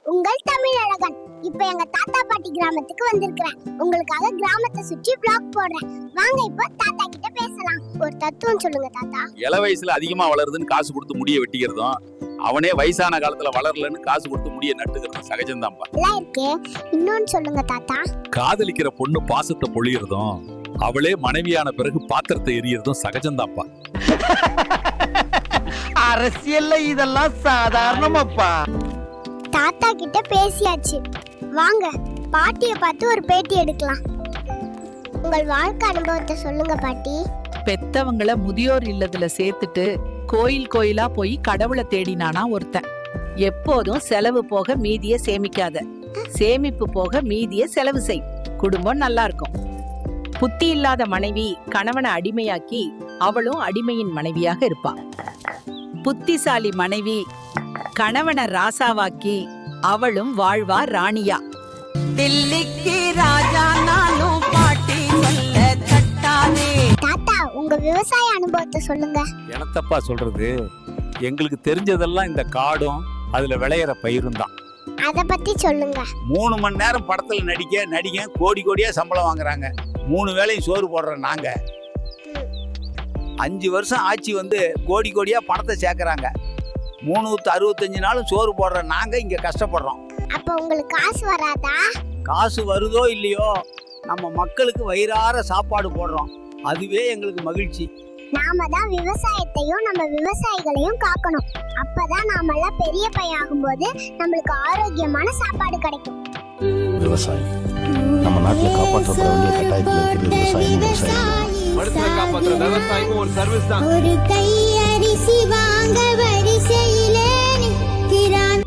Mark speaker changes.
Speaker 1: உங்கள் தமிழழகன். இப்ப எங்க தாத்தா பாட்டி கிராமத்துக்கு வந்திருக்கிறேன். உங்களுக்காக கிராமத்தை சுற்றி vlog போடுறேன். வாங்க இப்போ தாத்தா கிட்ட பேசலாம். ஒரு தத்துவம் சொல்லுங்க தாத்தா.
Speaker 2: இள வயசுல அதிகமா வளருதுன்னு காசு கொடுத்து முடிய வெட்டிக்கிறதும், அவனே வயசான காலத்துல வளரலன்னு காசு கொடுத்து முடிய நட்டுக்கிறதும் சகஜம்தான்ப்பா.
Speaker 1: எல்லாம் இருக்கே. இன்னொன்னு சொல்லுங்க தாத்தா.
Speaker 2: காதலிக்கிற பொண்ணு பாசத்தை பொழியறதும், அவளே மனைவியான பிறகு பாத்திரத்தை எரியறதும் சகஜம்தான்ப்பா.
Speaker 3: அரசியல்ல இதெல்லாம் சாதாரணமாப்பா.
Speaker 1: தாத்தா கிட்ட பேசியாச்சு. வாங்க பாட்டிய பார்த்து ஒரு பேட்டி எடுக்கலாம். உங்கள் வாழ்க்கை அனுபவத்தை சொல்லுங்க பாட்டி.
Speaker 4: பெத்தவங்கள முதியோர் இல்லத்துல சேர்த்துட்டு கோயில் கோயிலா போய் கடவுளை தேடினானா ஒருத்தன். எப்போதும் செலவு போக மீதிய சேமிக்காத, சேமிப்பு போக மீதிய செலவு செய், குடும்பம் நல்லா இருக்கும். புத்தி இல்லாத மனைவி கணவனை அடிமையாக்கி அவளும் அடிமையின் மனைவியாக இருப்பா. புத்திசாலி மனைவி கணவனை ராசாவாக்கி அவளும் வாழ்வா ராணியா. தில்லிக்கு ராஜா நானும் பாட்டி சொல்ல தட்டாதே.
Speaker 1: தாத்தா உங்க விவசாய அனுபவத்தை சொல்லுங்க.
Speaker 2: எனத்தப்பா சொல்றது, எங்களுக்கு தெரிஞ்சதெல்லாம் இந்த காடும் அதுல விளையிற பயிரும் தான்.
Speaker 1: அத பத்தி சொல்லுங்க.
Speaker 2: 3 மணி நேரம் படத்துல நடிக்க கோடி கோடியா சம்பளம் வாங்குறாங்க. 3 வேளையும் சோறு போடுற நாங்க 5 வருஷம் ஆட்சி வந்து கோடி கோடியா பணத்தை சேர்க்கறாங்க. 365 நாளும் சோறு போடுற நாங்க இங்க கஷ்டப்படுறோம்.
Speaker 1: அப்ப உங்களுக்கு காசு வராதா?
Speaker 2: காசு வருதோ இல்லையோ, நம்ம மக்களுக்கு வயிறார சாப்பாடு போடுறோம். அதுவே எங்களுக்கு மகிழ்ச்சி.
Speaker 1: நாம தான் விவசாயத்தையும் நம்ம விவசாயிகளையும் காக்கணும். அப்பதான் நாமெல்லாம் பெரிய பையன் ஆகும்போது நம்மளுக்கு ஆரோக்கியமான சாப்பாடு கிடைக்கும்.
Speaker 5: விவசாயம் நம்ம நாட்டுல காப்பாற்றப்பட வேண்டிய கட்டாயத்தில் இருக்கிறது. விவசாயம்
Speaker 3: மனுஷனை காப்பாத்துற விவசாயமும் ஒரு சர்வீஸ் தான்.
Speaker 1: ஒரு கை அரிசி வாங்க வரிசையிலே